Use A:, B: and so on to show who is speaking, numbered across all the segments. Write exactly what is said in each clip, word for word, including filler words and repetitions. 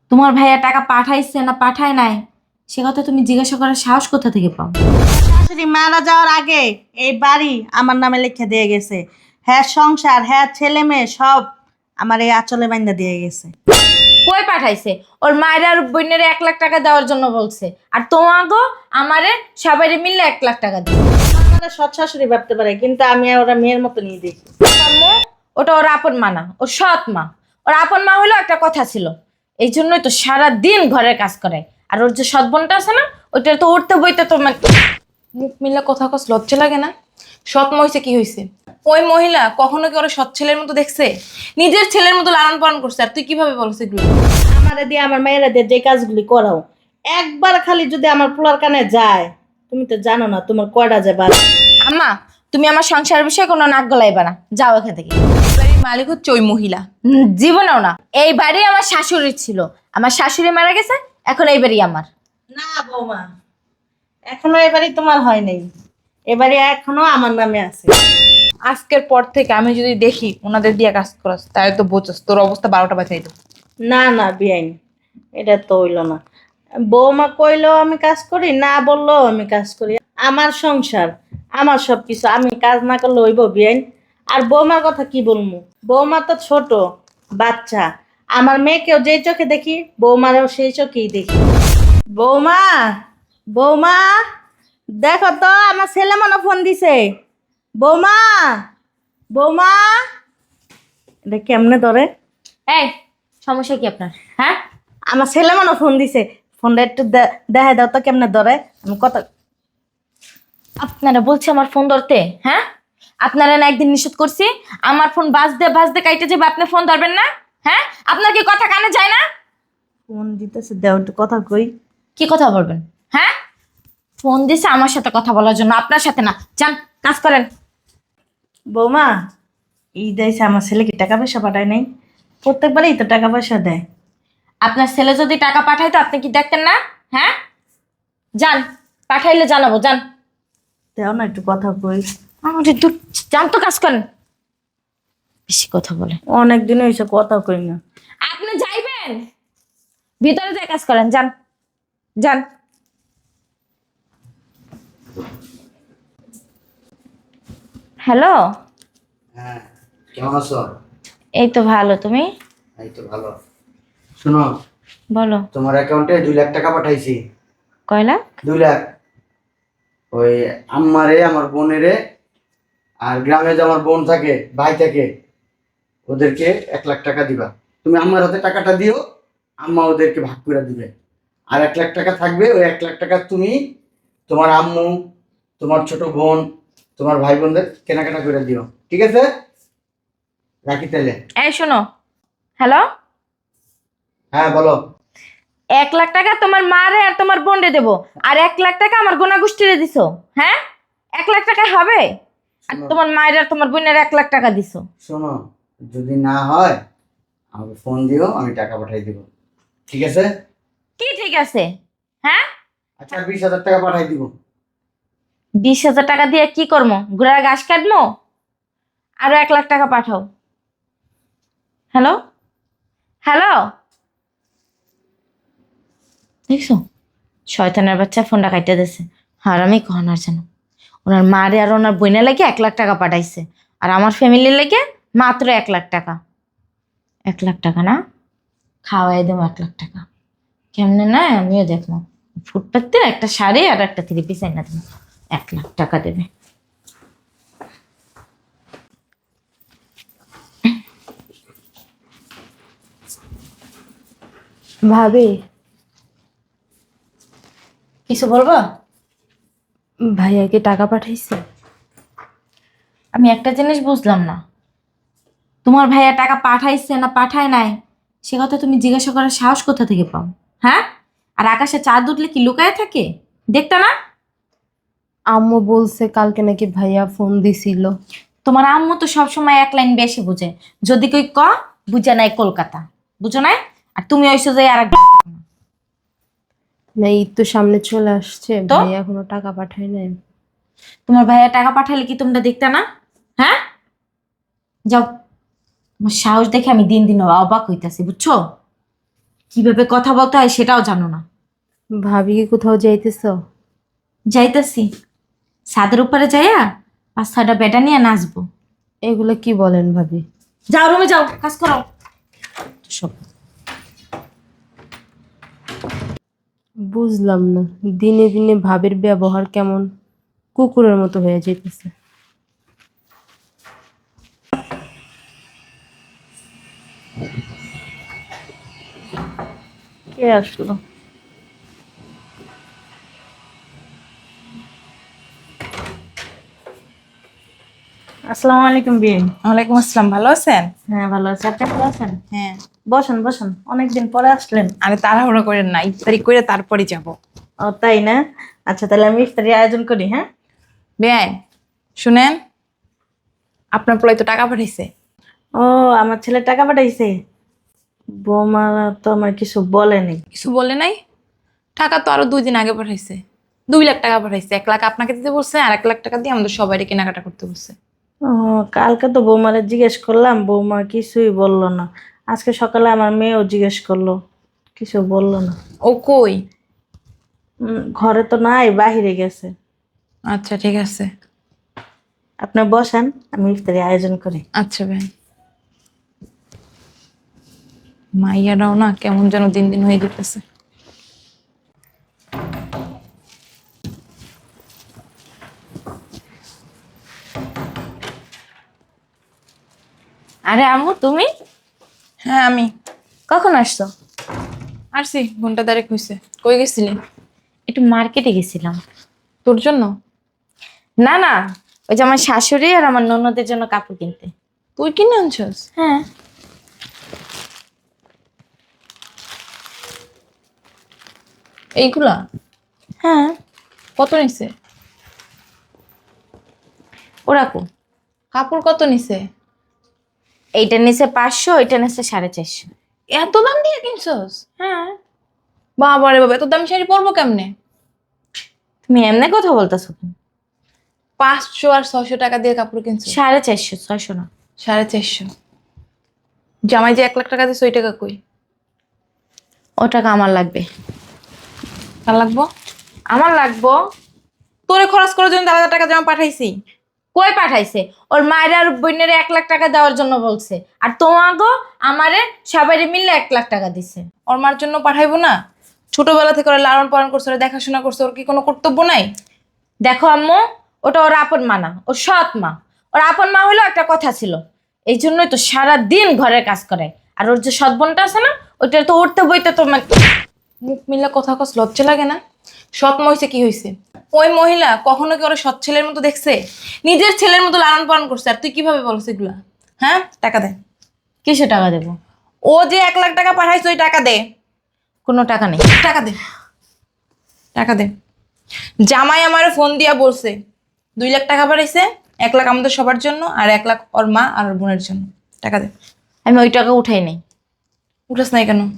A: তোমার ভাইয়া টাকা পাঠাইছে না পাঠায় নাই সে কথা তুমি জিজ্ঞাসা করার সাহস কোথা থেকে পাও?
B: শাশুড়ি মারা যাওয়ার আগে এই বাড়ি আমার নামে লিখে দিয়ে গেছে। হ্যাঁ, সংসার, হ্যাঁ, ছেলে মেয়ে সব আমার এই আঁচলে বাইন্দা দিয়ে গেছে।
A: কই পাঠাইছে? ওর মায়ের আর বোনের এক লাখ টাকা দেওয়ার জন্য বলছে, আর তোমাগো আমারে সবাই মিলে এক লাখ টাকা দিবে।
B: আমার সৎ শাশুড়ি ভাবতে পারে, কিন্তু আমি ওরা মেয়ের মতো নিয়ে দেখি।
A: আম্মু, ওটা ওর আপন মা না, ওর সৎ মা। ওর আপন মা হলো একটা কথা ছিল, এই জন্যই তো সারা দিন ঘরের কাজ করে। আর ওর যে সৎ বোনটা আছে না, ওইটা তো উঠতে বইতে তো মানে মুখ মিলে কথা কস লজ্জা লাগে না? সৎ মা হইছে কি হইছে? ওই মহিলা কখনো কি ওর সৎ ছেলের মতো দেখছে? নিজের ছেলের মতো লালন পালন করছে, আর তুই কিভাবে বলছিস এগুলো?
B: আমারে দিয়ে আমার মেয়েরা দিয়ে যে কাজগুলি করাও, একবার খালি যদি আমার পোলার কানে যায়, তুমি তো জানো না তোমার কয়টা যে বাদ।
A: আম্মা, তুমি আমার সংসারের বিষয়ে কোনো নাক গলাইবা না, যাও এখান থেকে। এই বাড়ির মালিক হচ্ছে ওই মহিলা। হুম, জীবনেও না। এই বাড়ি আমার শাশুড়ির ছিল, আমার শাশুড়ি মারা গেছে, এখন এই বাড়ি আমার।
B: না বৌমা, এখনো এবারই তোমার হয় নাই, এবারে এখনো আমার নামে আছে।
C: আজকের পর থেকে আমি যদি দেখি ওনাদের দিয়ে কাজ করাস তাহলে তো বোঝাস তোর অবস্থা বারোটা বাজাই দেবো।
B: না না বিয়াইন, এটা তো হইল না। বৌমা কইলো আমি কাজ করি, না বললো আমি কাজ করি। আমার সংসার, আমার সব কিছু, আমি কাজ না করলে হইব বিয়াইন? আর বৌমার কথা কি বলবো, বৌমা তো ছোট বাচ্চা। আমার মেয়েকেও যেই চোখে দেখি, বৌমারও সেই চোখেই দেখি। বৌমা, বৌমা, দেখো তো আমার ছেলে মনে ফোন দিছে। বৌমা, বৌমা, এটা কেমনে ধরে?
A: এই, সমস্যা কি আপনার? হ্যাঁ,
B: আমার ছেলে মনে ফোন দিছে, ফোনটা একটু দে- দেখাই দাও তো কেমনে ধরে। আমি কথা
A: আপনারা বলছে আমার ফোন ধরতে? হ্যাঁ, আপনারা না একদিন নিষেধ করছি আমার ফোন বাজতে বাজতে কাইটে যাবে, আপনি ফোন ধরবেন না? হ্যাঁ, আপনার কি কথা কানে যায় না?
B: ফোন দিতেছে, দেও একটু কথা কই।
A: কি কথা বলবেন? হ্যাঁ, ফোন দিছে আমার সাথে কথা বলার জন্য, আপনার সাথে না। যান, কাজ করেন।
B: বৌমা, এই দেয়ছে আমার ছেলেকে টাকা পয়সা পাঠায় নাই, প্রত্যেকবারই তো টাকা পয়সা দেয়।
A: আপনার ছেলে যদি টাকা পাঠাইতো আপনি কি দেখতেন না? হ্যাঁ, যান, পাঠাইলে জানাবো, যান।
B: দেও না একটু কথা কই।
A: আমাদের দূর, যান তো, কাজ করেন। বেশি কথা বলে।
B: অনেক দিন হয়েছে কথা কই না।
A: আপনি যাইবেন, ভিতরে যাই কাজ করেন, যান, যান। হ্যালো,
D: হ্যাঁ, কেমন আছো?
A: এই তো ভালো, তুমি?
D: এই তো ভালো। শোনো,
A: বলো।
D: তোমার অ্যাকাউন্টে দুই লাখ টাকা পাঠাইছি।
A: কয় লাখ?
D: দুই লাখ। ওই আম্মারে, আমার বোনেরে, আর গ্রামে যে আমার বোন থাকে, ভাই থাকে, ওদেরকে এক লাখ টাকা দিবা। তুমি আম্মার হাতে টাকাটা দিও, আম্মা ওদেরকে ভাগ করে দিবে। আর এক লাখ টাকা থাকবে, ওই এক লাখ টাকা তুমি তোমার আম্মু, তোমার ছোট বোন, তোমার ভাই বোনদের কেনাকাটা করে দিও, ঠিক আছে? রাখি তাহলে।
A: এই শোনো, হ্যালো,
D: হ্যাঁ বলো।
A: এক লাখ টাকা তোমার মারে আর তোমার বোনরে দেবো, আর এক লাখ টাকা আমার গোনা গোষ্ঠীরে দিছো। হ্যাঁ, এক লাখ টাকায় হবে? আর
D: শোনো,
A: তোমার মায়ের আর তোমার বোনের এক লাখ টাকা দিছো।
D: শোনো, যদি না হয় আমাকে ফোন দিও, আমি টাকা পাঠিয়ে দিব, ঠিক আছে?
A: কি ঠিক আছে? হ্যাঁ,
D: আচ্ছা, বিশ হাজার টাকা পাঠিয়ে দিব।
A: বিশ হাজার টাকা দিয়ে কি করবো? ঘোড়ার ঘাস কাটবো? আরো এক লাখ টাকা পাঠাও। হ্যালো, হ্যালো, দেখছো, শয়তানের বাচ্চা ফোনটা কাইটে দিছে। আর আমি কখন আর জানো, ওনার মারে আর ওনার বোনের লেগে এক লাখ টাকা পাঠাইছে, আর আমার ফ্যামিলির লেগে মাত্র এক লাখ টাকা। এক লাখ টাকা না, খাওয়াই দেবো এক লাখ টাকা। কেমনে না আমিও দেখবো। ফুটপাতের একটা শাড়ি আর একটা থ্রি পিস এনে দেবো, এক লাখ টাকা দেবে।
E: ভাবি,
A: কিছু বলবো?
E: ভাইয়া কি টাকা পাঠাইছে?
A: আমি একটা জিনিস বুঝলাম না, তোমার ভাইয়া টাকা পাঠাইছে না পাঠায় নাই সে কথা তুমি জিজ্ঞাসা করার সাহস কোথা থেকে পাও? হ্যাঁ, আর আকাশে চাঁদ উঠলে কি লুকায় থাকে, দেখতে না?
E: আম্মু বলছে কালকে নাকি ভাইয়া ফোন দিছিল।
A: তোমার আম্মু তো সবসময় এক লাইন বেশি বুঝে, যদি কই ক বুঝে নাই কলকাতা, বুঝো নাই? আর তুমি ওইসো যে আর এক।
E: না, ঈদ তো সামনে চলে আসছে,
A: তো?
E: ভাইয়া এখনো টাকা পাঠায় নাই।
A: তোমার ভাইয়া টাকা পাঠালে কি তোমরা দেখতে না? হ্যাঁ, যাও, তোমার সাহস দেখে আমি দিন দিন অবাক হইতাছি, বুঝছো? কিভাবে কথা বলতে হয় সেটাও জানো না।
E: ভাবি কি কোথাও যাইতেছ?
A: যাইতাছি, ছাদের উপরে যাইয়া পাঁচ ছয়টা বেটা নিয়ে নাচবো।
E: এগুলো কি বলেন ভাবি?
A: যাও রুমে যাও, কাজ করো সব।
E: বুঝলাম না, দিনে দিনে ভাবির ব্যবহার কেমন কুকুরের মতো হয়ে যাইতেছে।
B: কে আসলো? আসসালামু আলাইকুম বিয়ে।
C: ওয়ালাইকুম আসসালাম, ভালো আছেন?
B: হ্যাঁ ভালো আছি, আপনি ভালো আছেন?
C: হ্যাঁ।
B: বসেন বসেন, অনেকদিন পরে আসলেন।
C: আরে তাড়াহুড়ো করেন না, ইফতারি করে তারপরে যাব।
B: ও তাই না? আচ্ছা তাহলে আমি ইফতারি আয়োজন করি। হ্যাঁ
C: বেআই শুনেন, আপনার পোলাই তো টাকা পাঠাইছে।
B: ও আমার ছেলে টাকা পাঠাইছে? বৌমা তো আমার কিছু বলেনি।
C: কিছু বলে নাই? টাকা তো আরো দুই দিন আগে পাঠাইছে। দুই লাখ টাকা পাঠাইছে। এক লাখ আপনাকে দিতে বলছে, আর এক লাখ টাকা দিয়ে আমাদের সবাই কেনাকাটা করতে বলছে।
B: ও কালকে তো বৌমারে জিজ্ঞেস করলাম, বৌমা কিছুই বললো না। আজকে সকালে আমার মেয়েও জিজ্ঞেস করলো, কিছু বললো না।
C: ও কই?
B: উম, ঘরে তো নাই, বাহিরে গেছে।
C: আচ্ছা ঠিক আছে।
B: আপনি বসেন, আমি ইফতারি আয়োজন করি।
C: আচ্ছা ভাই। মাইয়ারাও না কেমন যেন দিন দিন হয়ে যেতেছে।
A: আরে আম্মু, তুমি
C: হ্যাঁ আমি
A: কখন আসছো?
C: আসছি, ঘন্টা দাঁড়িয়ে হয়েছে। কই গেছিলি?
A: একটু মার্কেটে গেছিলাম।
C: তোর জন্য?
A: না না, ওই যে আমার শাশুড়ি আর আমার ননদের জন্য কাপড় কিনতে।
C: তুই কিনে আনছস?
A: হ্যাঁ।
C: এইগুলা
A: হ্যাঁ।
C: কত নিছে?
A: ওরাকো
C: কাপড় কত নিছে?
A: এইটা নিচে পাঁচশো, ওইটা নিচে সাড়ে চারশো।
C: এত দাম দিয়ে কিনছস?
A: হ্যাঁ।
C: বাবা রে বাবা, এত দামি শাড়ি পরবো কেমনে?
A: তুমি এমনি কথা বলতেছো কেন?
C: পাঁচশো আর ছয়শো টাকা দিয়ে কাপড় কিনছো?
A: সাড়ে চারশো, ছয়শো না।
C: সাড়ে চারশো। জামাই যে এক লাখ টাকা দিচ্ছে ওই টাকা কই?
A: ও টাকা আমার লাগবে।
C: কার লাগবো?
A: আমার লাগবো।
C: তোরে খরচ করার জন্য আলাদা টাকা জামা পাঠাইছি।
A: কই পাঠাইছে? ওর মায়ের আর বোনের এক লাখ টাকা দেওয়ার জন্য বলছে, আর তোমাগো আমারে সবাই মিলে এক লাখ টাকা দিছে।
C: ওর মার জন্য পাঠাইবো না? ছোটবেলা থেকে ওরা লালন পালন করছে, ওরা দেখাশোনা করছে, ওর কি কোনো কর্তব্য নাই?
A: দেখো আম্মু, ওটা ওর আপন মা না, ওর সৎ মা। ওর আপন মা হলো একটা কথা ছিল, এই জন্যই তো সারা দিন ঘরের কাজ করে। আর ওর যে সৎ বোনটা আছে না, ওইটা তো উঠতে বইতে তো মানে
C: মুখ মিলে কথা কস, লজ্জা লাগে না? সৎ মহিষে কি হয়েছে? ওই মহিলা কখনো কি ওরা সৎ ছেলের মতো দেখছে? নিজের ছেলের মতো লালন পালন করছে, আর তুই কিভাবে বলছিস এগুলা? হ্যাঁ, টাকা দে।
A: কিসে টাকা দেবো?
C: ও যে এক লাখ টাকা পাঠাইছে ওই টাকা দে।
A: কোনো টাকা নেই।
C: টাকা দে, টাকা দে। জামাই আমারে ফোন দিয়া বলছে দুই লাখ টাকা পাঠাইছে, এক লাখ আমাদের সবার জন্য আর এক লাখ ওর মা আর ওর বোনের জন্য। টাকা দে।
A: আমি ওই টাকা উঠাই নাই।
C: উঠাস নাই কেন?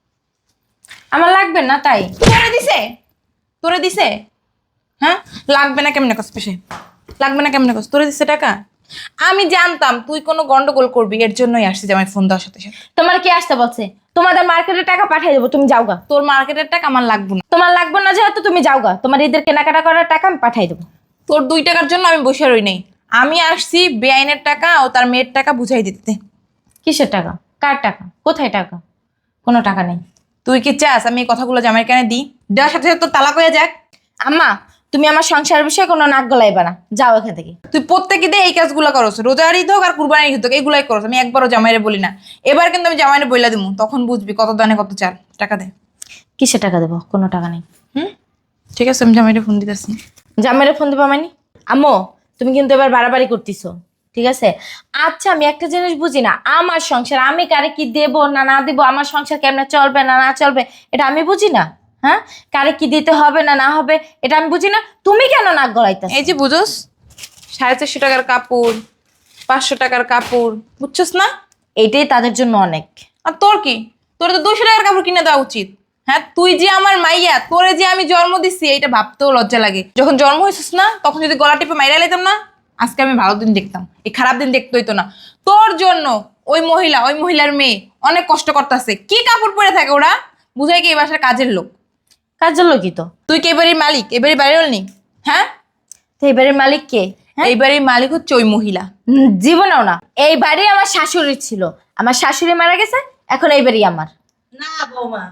A: আমার লাগবে না তাই।
C: তোরে দিছে? তোরে দিছে? হ্যাঁ, লাগবে না কেমনে কস? পেশে লাগবে না কেমনে কস? তোরে দিছে টাকা? আমি জানতাম তুই কোনো গন্ডগোল করবি, এর জন্যই আসছি জামাই ফোন দেওয়ার সাথে সাথে।
A: তোমার কি আসতে বলছে? তোমাদের মার্কেটে টাকা পাঠিয়ে দেবো, তুমি যাও গা।
C: তোর মার্কেটের টাকা আমার লাগবে না।
A: তোমার লাগবে না যেহেতু তুমি যাও গা, তোমার ঈদের কেনাকাটা করার টাকা আমি পাঠাই দেবো।
C: তোর দুই টাকার জন্য আমি বসে রই নাই। আমি আসছি বেআইনের টাকা ও তার মেয়ের টাকা বুঝাই দিতে।
A: কিসের টাকা? কার টাকা? কোথায় টাকা? কোনো টাকা নেই।
C: তুই কি চাস আমি এই কথাগুলো জামাইয়ের কানে দিই? দেওয়ার সাথে সাথে তোর তালাক হয়ে যাক।
A: আম্মা, তুমি আমার সংসারের বিষয়ে কোনো নাক গলাইবা না, যাও এখান থেকে।
C: তুই প্রত্যেকে দিয়ে এই কাজগুলো করস, রোজার ঈদ হোক আর কুরবানির ঈদ হোক, এইগুলাই করস। আমি একবারও জামাইরে বলি না। এবার কিন্তু আমি জামাইরে বইলা দিমু, তখন বুঝবি কত দানে কত চাল। টাকা দে।
A: কিসের টাকা দেবো? কোনো টাকা নেই।
C: হুম, ঠিক আছে, আমি জামাইরে ফোন দিতেছি।
A: জামাইরে ফোন দেবো মানে? আম্মু, তুমি কিন্তু এবার বাড়াবাড়ি করতেছো, ঠিক আছে? আচ্ছা, আমি একটা জিনিস বুঝি না, আমার সংসার আমি কারে কি দেবো না না দেবো, আমার সংসার কেমনে চলবে না না চলবে, এটা আমি বুঝি না। হ্যাঁ, কারে কি দিতে হবে না না হবে এটা আমি বুঝি না। তুমি কেন নাক গলাইতেছ?
C: এই যে বুঝোস, সাড়ে চারশো টাকার কাপড়, পাঁচশো টাকার কাপড়, বুঝছস না?
A: এইটাই তাদের জন্য অনেক।
C: আর তোর কি? তোর তো দুশো টাকার কাপড় কিনে দেওয়া উচিত। হ্যাঁ, তুই যে আমার মাইয়া, তোরে যে আমি জন্ম দিচ্ছি এইটা ভাবতেও লজ্জা লাগে। যখন জন্ম হয়েছিস না, তখন যদি গলা টিপে মাইরা লাইতাম না, আজকে আমি ভালো দিন দেখতাম, এই খারাপ দিন দেখতে হইতো না। তোর জন্য ওই মহিলা, ওই মহিলার মেয়ে অনেক কষ্ট করতেছে। কি কাপড় পরে থাকে ওরা, বুঝাই কি এই বাসার কাজের লোক।
A: কাজের লোকই তো।
C: তুই কি এবারের মালিক, এবারে বাড়ির নি? হ্যাঁ,
A: তো এই বাড়ির মালিক কে? হ্যাঁ?
C: এই বাড়ির মালিক হচ্ছে ওই মহিলা।
A: উম, জীবনেও না। এই বাড়ি আমার শাশুড়ি ছিল, আমার শাশুড়ি মারা গেছে, এখন এই বাড়ি আমার।
B: না বৌমা,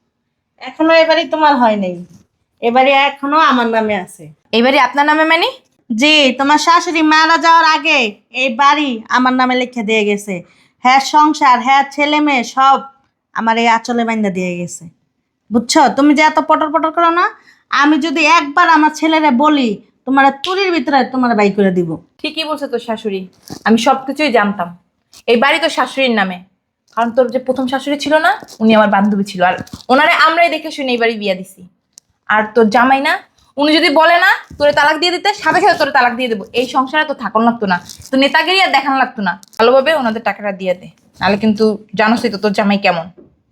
B: এখনো এবারই তোমার হয় নাই, এবারে এখনো আমার নামে আছে।
A: এই বাড়ি আপনার নামে মানে?
B: জি, তোমার শাশুড়ি মারা যাওয়ার আগে এই বাড়ি আমার নামে লিখে দিয়ে গেছে। হ্যাঁ, সংসার, হ্যাঁ, ছেলে মেয়ে সব আমার এই আঁচলে বাইন্দা দিয়ে গেছে। বুঝছো? তুমি যে এত পটর পটর করো না, আমি যদি একবার আমার ছেলেরে বলি তোমার তুরির ভিতরে তোমার বাই করে দিব।
C: ঠিকই বলছে তোর শাশুড়ি, আমি সবকিছুই জানতাম। এই বাড়ি তোর শাশুড়ির নামে, কারণ তোর যে প্রথম শাশুড়ি ছিল না, উনি আমার বান্ধবী ছিল, আর ওনারে আমরাই দেখে শুনে এই বাড়ি বিয়া দিছি। আর তোর জামাই না, উনি যদি বলে না তোরে তালাক দিয়ে দিতে, সাথে সাথে তোরে তালাক দিয়ে দেবো। এই সংসারে তো থাকুন লাগতো না, তো নেতাগিরি আর দেখানো লাগতো না। ভালোভাবে ওনাদের টাকাটা দিয়ে দে, নাহলে কিন্তু জানোসই তো তোর জামাই কেমন।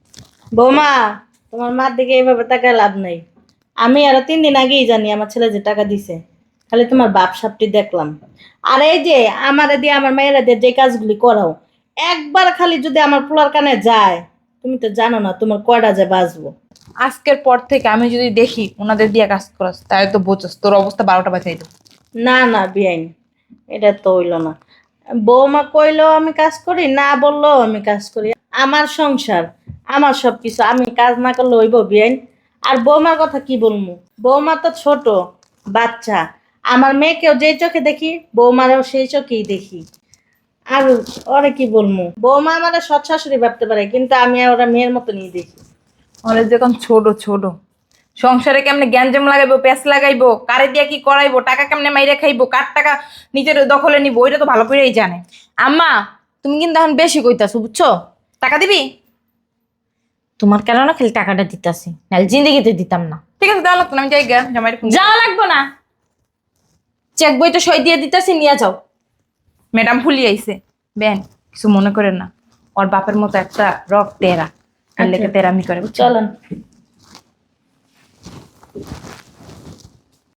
B: বৌমা, তোমার মার দিকে এইভাবে তাকায় লাভ নাই। আমি আরো তিন দিন আগেই জানি আমার ছেলে যে টাকা দিছে, খালি তোমার বাপ সাপটি দেখলাম। আর এই যে আমারে দিয়ে আমার মেয়েরা দিয়ে যে কাজগুলি করাও, একবার খালি যদি আমার পোলার কানে যায়, তুমি তো জানো না তোমার কয়টা যে বাঁচবো।
C: আজকের পর থেকে আমি যদি দেখি ওনাদের দিয়ে কাজ করাস, তাহলে তো বোঝস তোর অবস্থা বারোটা বাজাই দেবো।
B: না না বিয়াইন, এটা তো হইল না। বৌমা কইলেও আমি কাজ করি, না বললেও আমি কাজ করি। আমার সংসার, আমার সব কিছু, আমি কাজ না করলে হইব বিয়াইন? আর বৌমার কথা কি বলবো, বৌমা তো ছোট বাচ্চা। আমার মেয়েকেও যে চোখে দেখি, বৌমারেও সেই চোখেই দেখি। আর ওরে কি বলবো, বৌমা আমার সৎ শাশুড়ি ভাবতে পারে, কিন্তু আমি আর ওরা মেয়ের মতো নিয়ে দেখি।
C: ওরা যখন ছোট ছোট সংসারে কেমনে গ্যাঞ্জাম লাগাইবো, প্যাঁচ লাগাইবো, কারে দিয়ে কি করাইবো, টাকা কেমনে মাইরে খাইবো, কার টাকা নিজের দখলে নিবো, ওইটা তো ভালো করেই জানে।
A: আম্মা, তুমি কিন্তু এখন বেশি কইতাছো, বুঝছো?
C: টাকা দিবি?
A: তোমার কেন না খালি টাকাটা দিতাছি, নাহলে জিন্দিগিতে দিতাম না।
C: ঠিক আছে, দেওয়া লাগতো না, আমি যাই গা জামাইয়ের ফোন।
A: যাওয়া লাগবো না, চেক বই তো সই দিয়ে দিতাছি, নিয়ে যাও।
C: ম্যাডাম ভুলি আইছে, বেন কিছু মনে করেন না, ওর বাপের মতো একটা রক তেরা, আর লেগে তেরামি করে, বুঝছো?
B: চলেন।